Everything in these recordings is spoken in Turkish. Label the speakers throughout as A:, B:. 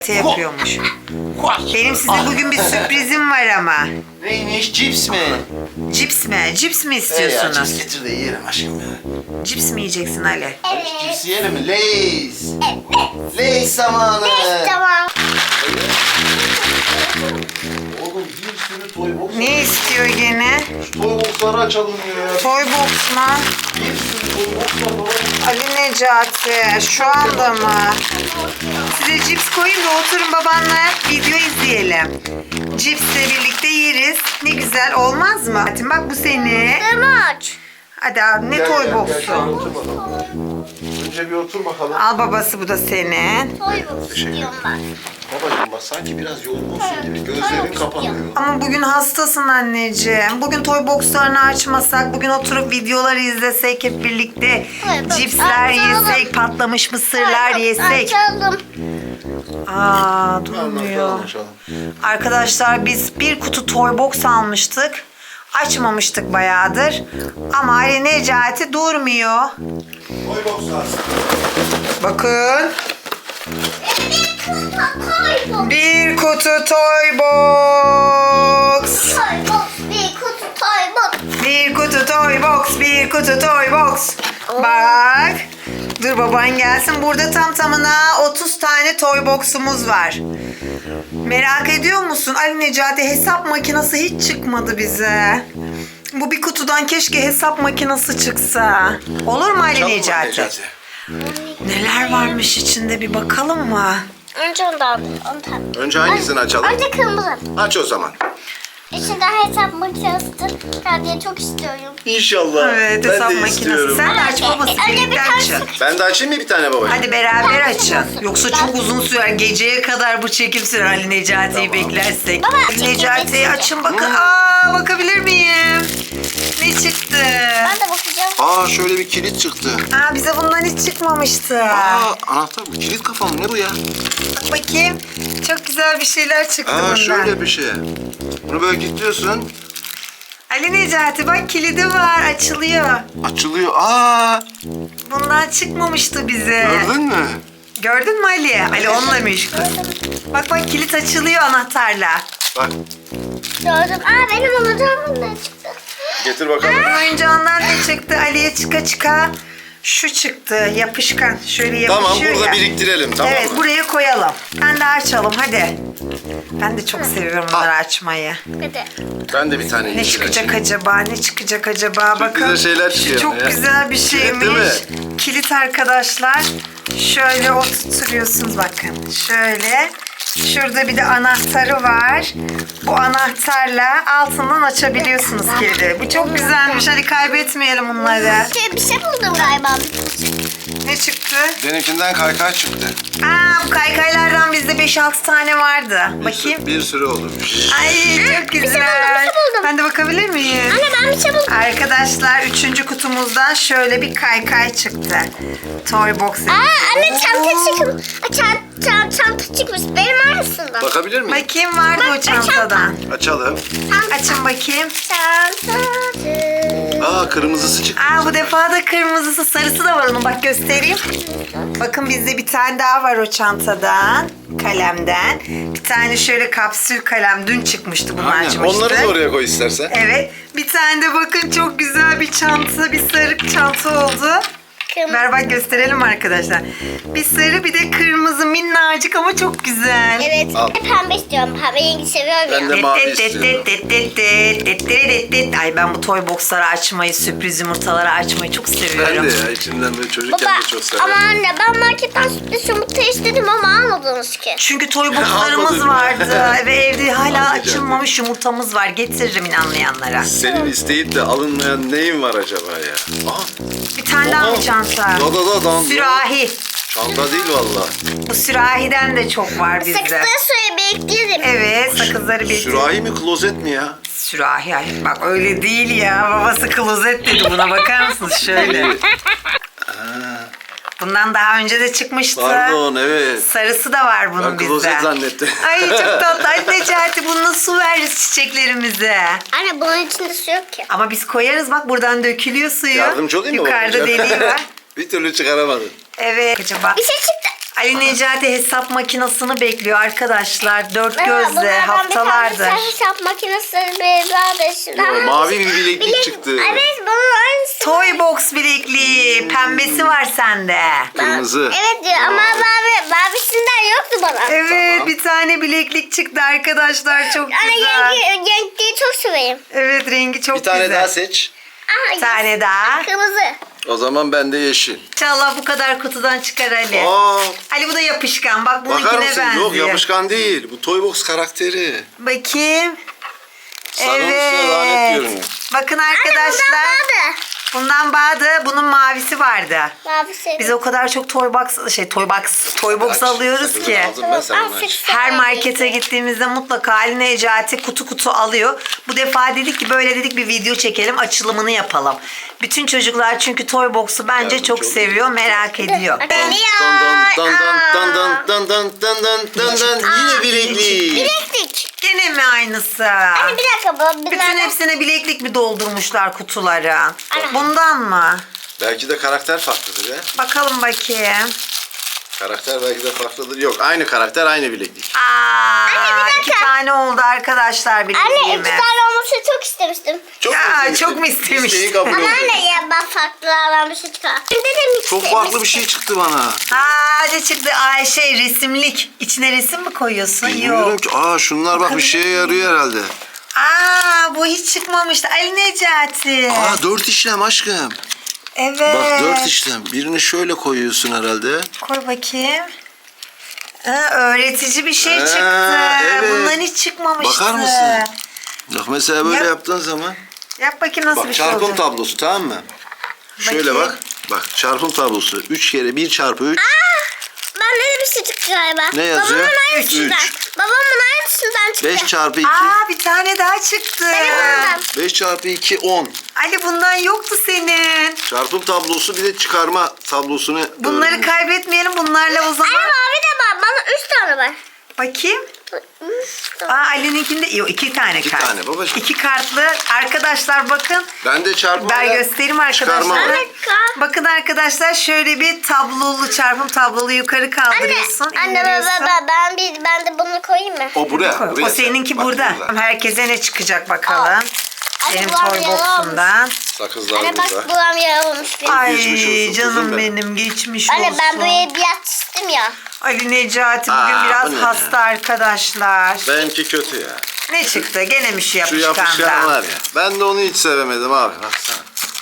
A: yapıyormuş. Benim size bugün bir sürprizim var ama.
B: Neymiş? Cips mi?
A: Cips mi? Cips mi
B: Ya
A: istiyorsunuz?
B: cips getir de yiyelim aşkım ya.
A: Cips mi yiyeceksin Ali?
B: Cips yiyelim mi? Lays. Lays zamanı.
C: Tamam.
B: Oğlum bir sürü toy box.
A: Ne istiyor gene?
B: Şu toy box'ları açalım ya.
A: Toy box mu?
B: Bir sürü toy box'lar var.
A: Ali Necati şu anda mı? Size cips koyayım da oturun babanla video izleyelim. Cipsle birlikte yeriz. Ne güzel olmaz mı? Hadi bak bu senin.
C: Maç.
A: Hadi abi ne
B: Gel,
A: toy
B: gel,
A: box'u?
B: gel, otur bakalım. Önce bir otur bakalım.
A: Al babası bu da senin.
C: Toy box istiyorum ben.
B: Babacığım bak sanki biraz yorgunsun gibi. Gözlerin kapanıyor.
A: Ama bugün hastasın anneciğim. Bugün toy boxlarını açmasak, bugün oturup videoları izlesek hep birlikte.
C: Evet,
A: Cipsler
C: açalım.
A: yesek, patlamış mısırlar yesek.
C: Açalım.
A: Aa durmuyor.
B: Açalım.
A: Arkadaşlar biz bir kutu toy box almıştık. Açmamıştık bayağıdır. Ama Ali Necati durmuyor.
B: Toy box'lar.
A: Bakın.
C: Toy box.
A: Bir kutu toy box.
C: Toy box. Bir kutu toy box.
A: Bir kutu toy box, bir kutu toy box. Bak. Dur baban gelsin. Burada tam tamına 30 tane toy box'umuz var. Merak ediyor musun? Ali Necati hesap makinesi hiç çıkmadı bize. Bu bir kutudan keşke hesap makinesi çıksa. Olur mu Ali
B: Açalım mı
A: Necati?
B: Necati?
A: Neler varmış içinde bir bakalım mı?
C: Önce ondan.
B: Önce hangisini açalım?
C: Önce kırmızı.
B: Aç o zaman.
C: İçinde hesap makinesi diye çok istiyorum.
B: İnşallah.
A: Evet
B: Ben
A: hesap
B: de
A: makinesi.
B: istiyorum.
A: Sen de aç babası
C: Önce bir
A: birlikte
C: tane
A: açın.
B: Ben de açayım mı bir tane babacığım?
A: Hadi beraber açın. Yoksa çok uzun sürer. Geceye kadar bu çekim sürer Ali Necati'yi beklersek.
C: Baba,
A: Ali Necati'yi
C: çekim
A: açın bakın. Aa bakabilir miyim? Ne çıktı?
C: Ben de bakacağım.
B: Aa şöyle bir kilit çıktı.
A: Aa bize bundan hiç çıkmamıştı.
B: Aa anahtar bu. Kilit kafa mı? Ne bu ya?
A: Bak bakayım. Çok güzel bir şeyler çıktı bundan.
B: Aa şöyle bir şey. Bunu böyle kilitliyorsun.
A: Ali Necati bak kilidi var. Açılıyor.
B: Açılıyor. Aa
A: Bundan çıkmamıştı bize.
B: gördün mü?
A: Gördün mü Ali? Ali onunla meşgul. Bak bak kilit açılıyor anahtarla.
B: Bak
C: Gördüm. Benim alacağım ne çıktı?
B: getir bakalım.
A: Oyuncağından ne çıktı? Ali'ye çıka çıka şu çıktı. Yapışkan. Şöyle yapışıyor
B: Tamam burada
A: ya.
B: biriktirelim tamam
A: Evet
B: mı?
A: buraya koyalım. Ben de açalım hadi. Ben de çok seviyorum bunları açmayı.
C: Hadi.
B: Ben de bir tane
A: Ne
B: yeşil
A: çıkacak
B: açayım.
A: acaba? Ne çıkacak acaba? Bakın.
B: güzel şeyler çıkıyor
A: Çok
B: ya.
A: güzel bir
B: Kilit değil
A: şeymiş.
B: mi?
A: Kilit arkadaşlar. Şöyle oturtuyorsunuz bakın. Şöyle. Şurada bir de anahtarı var. Bu anahtarla altından açabiliyorsunuz kilidi. Bu çok güzelmiş. Hadi kaybetmeyelim bunları.
C: Bir şey buldum galiba.
A: Ne çıktı?
B: Benimkinden kaykay çıktı.
A: Aa bu kaykaylardan bizde 5-6 tane vardı. Bakayım.
B: Bir sürü olurmuş.
A: Ay çok güzel.
C: bir şey buldum.
A: Ben de bakabilir miyim?
C: Anne ben bir şey buldum.
A: Arkadaşlar 3. kutumuzdan şöyle bir kaykay çıktı. Toy box.
C: Anne çanta çıkmış. Çanta çıkmış. Benim arasında.
B: Bakabilir miyim?
A: Bakayım vardı o çantadan.
B: Açalım.
A: Açın bakayım.
C: Çantacı.
B: Aa kırmızısı çıktı.
A: Aa bu defa da kırmızısı sarısı da var onun bak göstereyim. Bakın bizde bir tane daha var o çantadan. Kalemden. Bir tane şöyle kapsül kalem dün çıkmıştı bunu
B: Aynen.
A: açmıştık.
B: Onları da oraya koy istersen.
A: Evet. Bir tane de bakın çok güzel bir çanta, bir sarı çanta oldu.
C: Kırmızı.
A: Ver bak gösterelim arkadaşlar. Bir sarı bir de kırmızı minnacık ama çok güzel.
C: Evet.
B: Al.
C: Pembe istiyorum. Pembe rengi seviyorum
B: Ben de
C: ya.
B: mavi istiyorum.
A: Ay ben bu toy boxları açmayı, sürpriz yumurtaları açmayı çok
B: Ben
A: seviyorum.
B: de ya içimden böyle çocukken
C: Baba
B: de çok
C: ama
B: severim.
C: anne ben marketten sürpriz yumurta istedim ama almadınız ki.
A: Çünkü toy boxlarımız
B: Almadım.
A: vardı ve evde hala
B: Almayacağım.
A: açılmamış yumurtamız var. Getiririm inanmayanlara.
B: Senin isteyip de alınmayan neyin var acaba ya? Aa,
A: Bir tane daha mı çanta?
B: Da.
A: Sürahi.
B: Çanta değil valla.
A: Bu sürahiden de çok var bizde.
C: Sakızları suya bekleyelim.
A: Evet sakızları bir
B: Sürahi mi klozet mi ya?
A: sürahi. Ay, bak öyle değil ya. Babası klozet dedi buna bakar mısınız şöyle. Bundan daha önce de çıkmıştı.
B: Pardon evet.
A: Sarısı da var bunun
B: Ben
A: bizde.
B: klozet zannettim.
A: Ay çok tatlı. Ay Necati bununla su veririz çiçeklerimize.
C: Anne bunun içinde su yok ki.
A: Ama biz koyarız bak buradan dökülüyor suyu.
B: Yardımcı olayım mı
A: Yukarıda
B: babacığım?
A: deliği var.
B: Bir türlü çıkaramadım.
A: Evet. Acaba.
C: Bir şey çıktı.
A: Ali Necati hesap makinesini bekliyor arkadaşlar. Dört
C: Merhaba,
A: gözle
C: bunlardan
A: haftalardır.
C: Bir tane hesap makinesi bir
B: mavi bir bileklik çıktı.
C: Evet bunun aynısı.
A: Toy box bilekliği. Pembesi var sende.
B: Kırmızı.
C: Evet diyor ama mavisinden yoktu bana.
A: Evet
B: Tamam.
A: bir tane bileklik çıktı arkadaşlar. Çok
C: Anne
A: güzel.
C: renkliyi çok severim.
A: Evet rengi çok
B: Bir tane
A: güzel.
B: daha seç.
C: Aha,
A: Bir tane daha.
C: Kırmızı.
B: O zaman ben de yeşil.
A: İnşallah bu kadar kutudan çıkar Ali.
B: Aa,
A: Ali bu da yapışkan. Bak
B: bakar
A: bununkine
B: mısın?
A: benziyor.
B: Yok yapışkan değil. Bu Toybox karakteri.
A: Bakayım.
B: Sarının üstüne lanet görünüyor.
A: Bakın
C: Anne
A: arkadaşlar. Bundan vardı. Bunun mavisi vardı.
C: Mavisi.
A: Biz o kadar çok toy box
B: Aç,
A: alıyoruz
B: sakızını
A: ki.
B: aldım ben, sen bunu aç.
A: Her markete gittiğimizde mutlaka Ali Necati kutu alıyor. Bu defa dedik ki böyle dedik bir video çekelim, açılımını yapalım. Bütün çocuklar çünkü toy box'u bence
B: Ya,
A: çok
B: çok
A: seviyor, merak ediyor.
B: Dan dan dan dan dan dan dan dan dan dan. Yine bileklik.
C: Bileklik.
A: Gene mi aynısı?
C: Anne bir dakika bu.
A: Bütün hepsine bileklik mi doldurmuşlar kutuları?
C: Ana.
A: Bundan mı?
B: Belki de karakter farklıdır ya.
A: Bakalım bakayım.
B: Karakter belki de farklıdır. Yok aynı karakter aynı bileklik.
C: Anne, bir
A: iki
C: dakika.
A: tane oldu arkadaşlar
C: Anne
A: bilekliğimiz.
C: 2 tane olmasını çok istemiştim.
B: Çok
A: Ya,
B: istemiştim.
A: çok mu istemiştin?
B: İsteği kabul
C: Ama
B: oldu.
C: anne ya ben farklılardan bir şey çıkar. Şimdi de
B: Çok farklı bir şey çıktı bana.
A: Ne çıktı? Resimlik. İçine resim mi koyuyorsun?
B: Bilmiyorum
A: Yok.
B: ki. Aa şunlar bak bir şeye yarıyor herhalde.
A: Bu hiç çıkmamıştı. Ali Necati.
B: Aa 4 işlem aşkım.
A: Evet.
B: Bak 4 işlem. Birini şöyle koyuyorsun herhalde.
A: Koy bakayım. Öğretici bir şey çıktı.
B: evet.
A: Bundan hiç çıkmamıştı.
B: Bakar mısın? Bak mesela böyle
A: Yap.
B: yaptığın zaman.
A: Yap bakayım nasıl
B: Bak
A: bir şey
B: çarpım
A: olacak.
B: tablosu tamam mı? Şöyle
A: Bakayım.
B: bak. Bak çarpım tablosu. 3 kere 1 çarpı 3.
C: Ben de bir şey çıktı galiba.
B: Ne yazıyor?
C: Babamın aynısından.
B: Üç.
C: Babamın aynısından çıktı.
B: 5 çarpı 2.
A: Bir tane daha çıktı.
C: Benim ondan.
B: 5 çarpı 2 10.
A: Ali bundan yoktu senin.
B: Çarpım tablosu bir de çıkarma tablosunu
A: Bunları
B: öğrenmiş.
A: kaybetmeyelim. Bunlarla o zaman.
C: Anne mavi de var. Bana 3 tane var.
A: Bakayım.
C: 3 tane.
A: Ali'ninkinde yok 2 tane
B: İki
A: kart.
B: tane babacığım.
A: 2 kartlı. Arkadaşlar bakın.
B: Ben de çarpma
A: Ben
B: ile
A: göstereyim
B: çıkarma
A: arkadaşlar.
B: var.
C: Evet, kart.
A: Bakın arkadaşlar şöyle bir tablolu çarpım tablolu yukarı kaldırıyorsun.
C: Anne
A: indiriyorsun.
C: ben de bunu koyayım mı?
B: O buraya.
A: Koy.
B: buraya
A: O seninki
B: Bak
A: burada. Herkese ne çıkacak bakalım.
C: Anne,
A: Benim
C: buram
A: toy
C: yaralı
A: box'umdan.
B: Sakızlar
C: Anne bak
B: burada.
C: buram yaralmış benim.
A: Ay
B: Geçmiş olsun
A: canım
B: kızım
A: benim geçmiş
C: Anne
A: olsun.
C: ben böyle bir yatıştım ya.
A: Ali Necati bugün
B: Aa,
A: biraz
B: bu ne
A: hasta arkadaşlar.
B: Benimki kötü ya.
A: Ne çıktı? Gene mi şu
B: Şu
A: yapışkandan?
B: yapışkan var ya. Ben de onu hiç sevemedim abi. Baksana.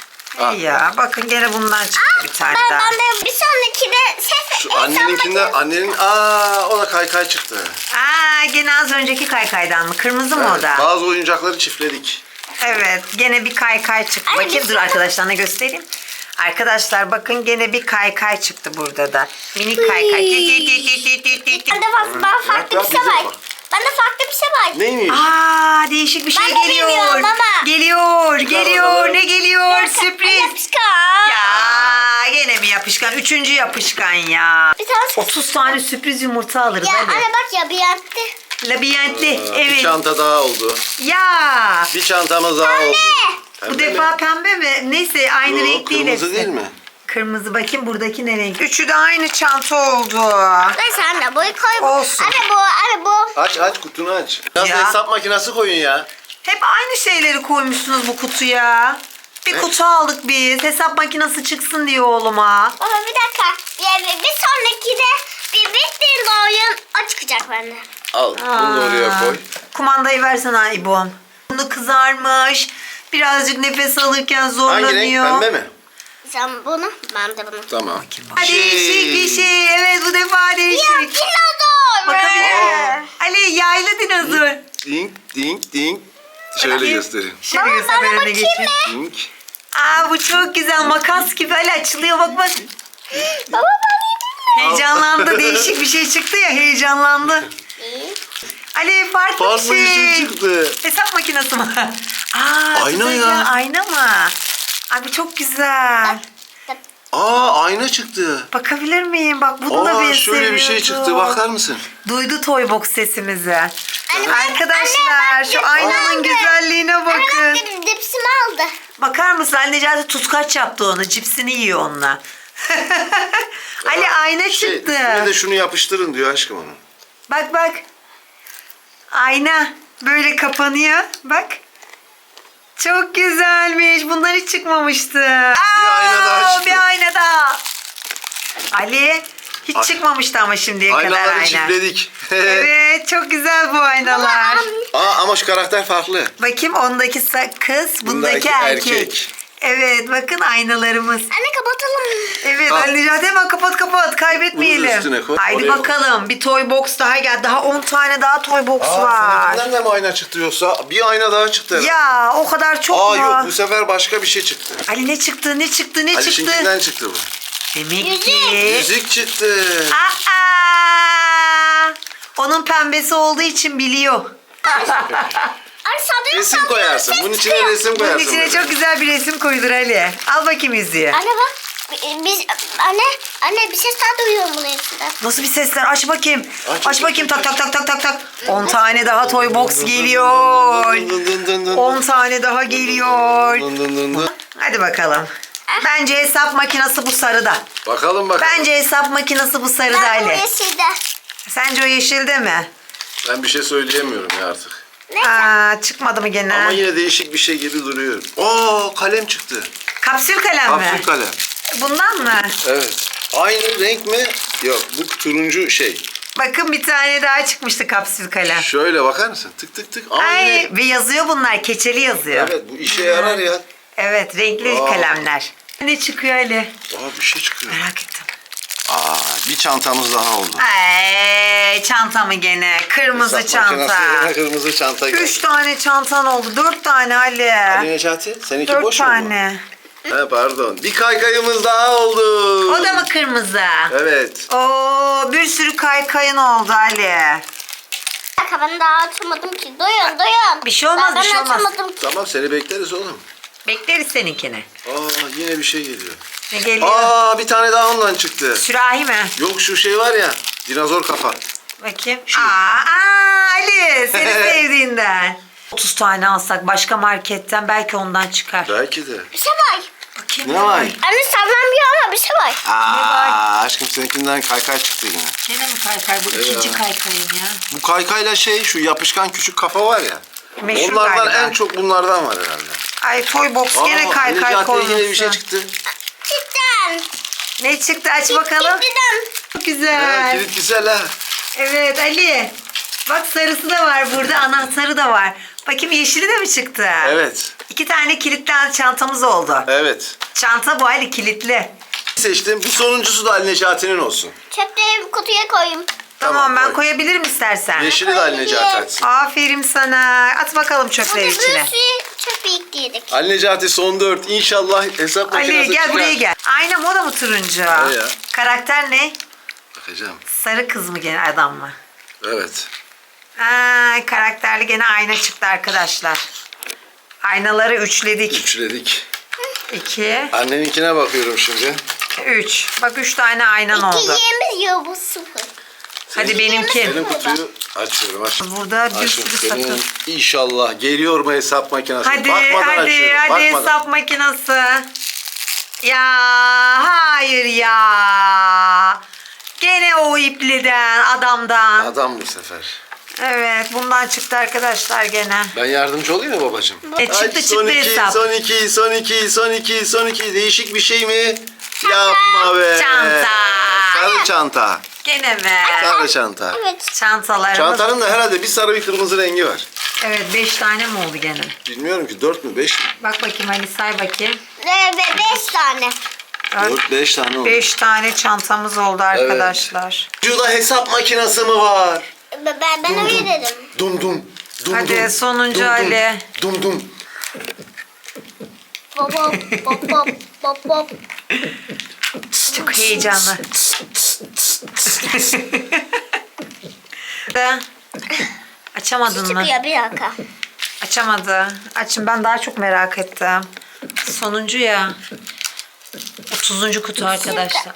A: İyi ya bakın gene bundan çıktı bir tane daha.
C: Ben de bir sonraki de
B: Şu anneninkinde annenin o da kaykay çıktı.
A: Gene az önceki kaykaydan mı? Kırmızı mı o
B: Evet,
A: da?
B: bazı oyuncakları çiftledik.
A: Evet gene bir kaykay çıktı.
C: Ay,
A: Bakayım
C: bir
A: dur
C: şey-
A: arkadaşlarına göstereyim. Arkadaşlar bakın gene bir kaykay çıktı burada da. Minik kaykay.
C: Ben de farklı bir şey var. Ben de farklı bir şey var.
B: Neymiş?
A: Değişik bir şey
C: Ben de
A: geliyor.
C: bilmiyorum ama.
A: Geliyor.
B: bakalım.
A: Ne geliyor? Sürpriz.
C: Yapışkan.
A: Ya gene mi yapışkan? Üçüncü yapışkan ya.
C: Bir tane
A: 30 tane sürpriz yumurta alırız
C: Ya
A: hadi.
C: anne bak ya bir yattı.
A: Labirentli.
B: Bir
A: Evet.
B: çanta daha oldu.
A: Ya.
B: Bir çantamız daha oldu.
A: Bu
B: Pembe
A: defa
B: mi?
A: pembe mi? Neyse aynı
B: Yok,
A: renk değil
B: kırmızı
A: hepsi.
B: değil mi?
A: Kırmızı bakayım buradaki ne renk? Üçü de aynı çanta oldu.
C: Neyse anne boyu koy.
A: Olsun.
C: Anne bu.
B: Aç kutunu aç. Biraz
A: Ya.
B: hesap makinesi koyun ya.
A: Hep aynı şeyleri koymuşsunuz bu kutuya. Bir kutu aldık biz. Hesap makinesi çıksın diye oğluma.
C: Baba bir dakika. Bir sonraki de bittiğinde oyun o çıkacak bende.
B: Al bunu da oraya koy.
A: Kumandayı versene İbom. Bunu kızarmış. Birazcık nefes alırken
B: Hangi
A: zorlanıyor.
B: renk? Pembe mi?
C: Sen bunu, ben de bunu.
B: Tamam.
A: Değişik bir şey. Evet bu defa
C: Ya
A: değişik.
C: dinozor.
A: Bakabilir miyim? Ali yaylı dinozor.
B: Ding ding ding. Şöyle
A: Bakayım.
B: göstereyim.
A: Şöyle
C: Baba,
A: göster
C: bana
A: ben önüne
C: bakayım
A: geçeyim.
B: Ding.
A: Bu çok güzel. Makas gibi Ali açılıyor bak bak.
C: Baba ben
A: Heyecanlandı. Değişik bir şey çıktı ya heyecanlandı.
C: yedim.
A: Ali farklı
B: Farklı
A: bir
B: bir
A: şey.
B: şey çıktı.
A: Hesap makinesi mi?
B: Ayna
A: güzel
B: ya.
A: Ayna mı? Bu çok güzel.
B: Ayna çıktı.
A: Bakabilir miyim? Bak bunu da ben
B: Şöyle bir şey
A: seviyordum.
B: çıktı. Bakar mısın?
A: Duydu Toy Box sesimizi.
C: Anne,
A: Arkadaşlar
C: anne, bak,
A: şu aynanın
C: aldı.
A: güzelliğine
C: Anne
A: bakın.
C: bak dipsimi aldı.
A: Bakar mısın? Ali Necati tutkaç yaptı onu. Cipsini yiyor onunla. Ali ayna
B: Şey,
A: çıktı.
B: üstüne de şunu yapıştırın diyor aşkım onu.
A: Bak bak. Ayna böyle kapanıyor. Bak. Çok güzelmiş. Bundan hiç çıkmamıştı.
B: ayna daha çıktı.
A: Bir ayna daha. Ali hiç çıkmamıştı ama şimdiye kadar
B: Aynaları
A: ayna.
B: çiftledik.
A: Evet çok güzel bu aynalar.
B: Ama şu karakter farklı.
A: Bakayım ondaki kız, bundaki erkek. Evet bakın aynalarımız.
C: Anne kapatalım.
A: Evet
B: Ha.
A: Ali Necati hemen kapat kaybetmeyelim.
B: Bunu da üstüne koy,
A: Haydi
B: oraya
A: bakalım bir toy box daha geldi. Daha 10 tane daha toy box var.
B: Seninkinden de mi ayna çıktı yoksa? Bir ayna daha çıktı herhalde.
A: Ya o kadar çok
B: Aa
A: mu?
B: yok bu sefer başka bir şey çıktı.
A: Ali ne çıktı?
B: Alişinkinden çıktı bu.
A: Demek ki.
B: Yüzük çıktı.
A: Aa! Onun pembesi olduğu için biliyor.
C: Anne sandığı
B: Resim koyarsın. Bunun içine resim
A: Bunun
B: koyarsın.
A: içine
B: böyle.
A: çok güzel bir resim koydur Ali. Al bakayım yüzüğü.
C: Anne bak. Biz anne bir ses daha duyuyorum bunun içinden.
A: Nasıl bir sesler? Aç bakayım.
B: Aç,
A: Aç bakayım. Tak. 10 tane daha toy box geliyor.
B: Dın dın dın dın.
A: 10 tane daha geliyor.
B: Dın dın dın dın.
A: Hadi bakalım. Bence hesap makinesi bu sarıda.
B: Bakalım.
A: Bence hesap makinesi bu sarıda
C: Ben bu
A: Ali.
C: yeşilde.
A: Sence o yeşilde mi?
B: Ben bir şey söyleyemiyorum ya artık.
C: Ne?
A: Aa, çıkmadı mı gene?
B: Ama yine değişik bir şey gibi duruyor. Oo kalem çıktı.
A: Kapsül kalem mi?
B: Kapsül kalem.
A: Bundan mı?
B: Evet. Aynı renk mi? Yok bu turuncu şey.
A: Bakın bir tane daha çıkmıştı kapsül kalem.
B: Şöyle bakar mısın? Tık tık tık. Aynı.
A: Ay ve yazıyor bunlar. Keçeli yazıyor.
B: Evet bu işe yarar ya.
A: Evet renkli
B: Aa.
A: kalemler. Ne çıkıyor Ali?
B: Aa bir şey çıkıyor.
A: Merak ettim.
B: Aa bir çantamız daha oldu.
A: Ay çanta mı gene? Kırmızı
B: Hesap
A: çanta.
B: makinesine kırmızı çanta geldi.
A: 3 tane çantan oldu. 4 tane Ali.
B: Ali Necati seninki
A: 4
B: boş mu?
A: tane.
B: He pardon. Bir kaykayımız daha oldu.
A: O da mı kırmızı?
B: Evet.
A: Oo bir sürü kaykayın oldu Ali.
C: Bak ben daha açamadım ki. Duyun.
A: Bir şey olmaz,
C: Ben
A: bir şey olmaz.
C: açamadım ki.
B: Tamam seni bekleriz oğlum.
A: Bekleriz seninkini.
B: Aa yine bir şey geliyor.
A: Ne geliyor?
B: Aa bir tane daha ondan çıktı.
A: Sürahi mi?
B: Yok şu şey var ya. Dinozor kafa.
A: Bakayım. Aa Ali seni sevdiğinden. 30 tane alsak başka marketten belki ondan çıkar.
B: Belki de.
C: Bir şey var.
A: Bakayım
B: Ne var?
C: Anne sallanmıyor ama bir şey var.
B: Aa aşkım seninkinden kaykay çıktı yine.
A: Gene mi kaykay? Bu ikinci kaykayım ya.
B: Bu kaykayla şey şu yapışkan küçük kafa var ya.
A: Meşhur
B: Onlardan
A: galiba.
B: en çok bunlardan var herhalde.
A: Ay toy box gene kaykay
B: Necati'ye
A: konusu.
B: yine bir şey çıktı.
C: Cidden.
A: Ne çıktı aç bakalım.
C: Cidden.
A: Çok güzel.
B: Kilit güzel ha.
A: Evet Ali. Bak sarısı da var burada, anahtarı da var. Bakayım yeşili de mi çıktı?
B: Evet.
A: 2 tane kilitli çantamız oldu.
B: Evet.
A: Çanta bu Ali kilitli.
B: Seçtim. Bu sonuncusu da Ali Necati'nin olsun.
C: Çöpleri bir kutuya koyayım.
A: Tamam ben
B: koy.
A: koyabilirim istersen.
B: Yeşili de Ali Necati açsın.
A: Aferin sana. At bakalım çöpleri
C: Hadi bir
A: içine.
C: sürü çöp yedik.
B: Ali Necati son 4. İnşallah hesap makinesi
A: Ali gel
B: çıkar.
A: buraya gel. Ayna moda mı turuncu?
B: Ne ya?
A: Karakter ne?
B: Bakacağım.
A: Sarı kız mı gene adam mı?
B: Evet.
A: Ay, karakterli gene ayna çıktı arkadaşlar. Aynaları üçledik.
B: Üçledik.
A: 2,
B: Anneninkine bakıyorum şimdi.
A: 3. Bak 3 tane aynan oldu.
C: İkiyemiz yok bu sıfır.
A: Hadi benimki.
B: Senin kutuyu açıyorum. Aç.
A: Burada bir
B: Aşkım
A: sürü
B: senin
A: sakın.
B: inşallah geliyor mu hesap makinesi?
A: Hadi
B: Bakmadan
A: hadi
B: açıyorum.
A: hadi
B: Bakmadan.
A: hesap makinesi. Ya hayır ya. Gene o ipliden adamdan.
B: Adam bu sefer.
A: Evet bundan çıktı arkadaşlar gene.
B: Ben yardımcı olayım mı babacığım?
A: Çıktı
B: son
A: çıktı
B: iki,
A: hesap.
B: son iki, son iki, son iki, son iki. Değişik bir şey mi? Yapma be.
A: Çanta.
B: Sarı çanta.
A: Gene mi?
B: Sarı çanta.
C: Evet.
A: Çantalarımız.
B: Çantanın da herhalde bir sarı bir kırmızı rengi var.
A: Evet 5 tane mi oldu gene?
B: Bilmiyorum ki 4 mü 5 mi?
A: Bak bakayım Ali say bakayım.
C: Ve 5 tane.
B: 4-5 tane oldu.
A: 5 tane çantamız oldu arkadaşlar.
B: Şurada hesap makinesi mi var?
C: Ben öyle dedim.
B: Dum dum. Dum
A: Hadi
B: dum.
A: sonuncu
B: Dum dum.
A: Ali.
B: Dum dum.
C: Bop bop bop bop bop.
A: Çok heyecanlı. Açamadın mı?
C: Çıkıyor bir dakika.
A: Açamadı. Açın ben daha çok merak ettim. Sonuncu ya. 30. kutu arkadaşlar.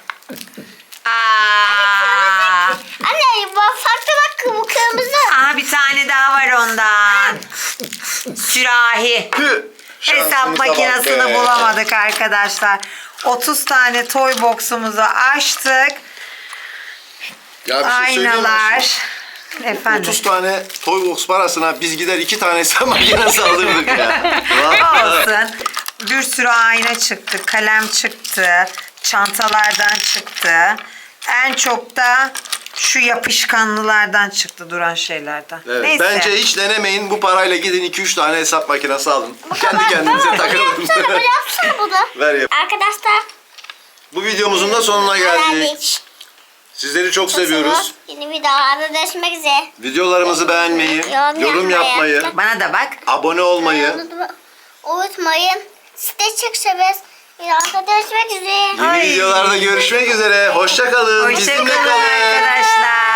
A: Aa!
C: Anne bak farklı bak bu kırmızı.
A: Aa, bir tane daha var ondan. Sürahi.
B: Tüh.
A: Hesap
B: Şansımıza bak
A: makinesini
B: be.
A: bulamadık arkadaşlar. 30 tane toy box'umuzu açtık.
B: Ya bir şey söyleyeyim mi?
A: Aynalar. Efendim.
B: 30 tane toy box parasına biz gider 2 tane hesap makinesi alırdık ya. Vallahi.
A: Olsun. Bir sürü ayna çıktı, kalem çıktı, çantalardan çıktı. En çok da şu yapışkanlılardan çıktı, duran şeylerden.
B: Evet,
A: Neyse.
B: bence hiç denemeyin. Bu parayla gidin 2-3 tane hesap makinesi alın. Kendi kendinize
C: Baba,
B: takılın.
C: Bunu yapsana bunu.
B: Ver yap.
C: Arkadaşlar.
B: Bu videomuzun da sonuna geldik. Sizleri çok seviyoruz.
C: Yeni videolarda görüşmek üzere.
B: Videolarımızı beğenmeyi, yorum yapmayı,
A: Bana da bak.
B: abone olmayı,
C: Unutmayın. Sizi de çok severiz. Videolarda görüşmek üzere.
B: yeni videolarda görüşmek üzere. Hoşça kalın.
A: Hoşça
B: Bizimle
A: kalın
B: kalın.
A: arkadaşlar.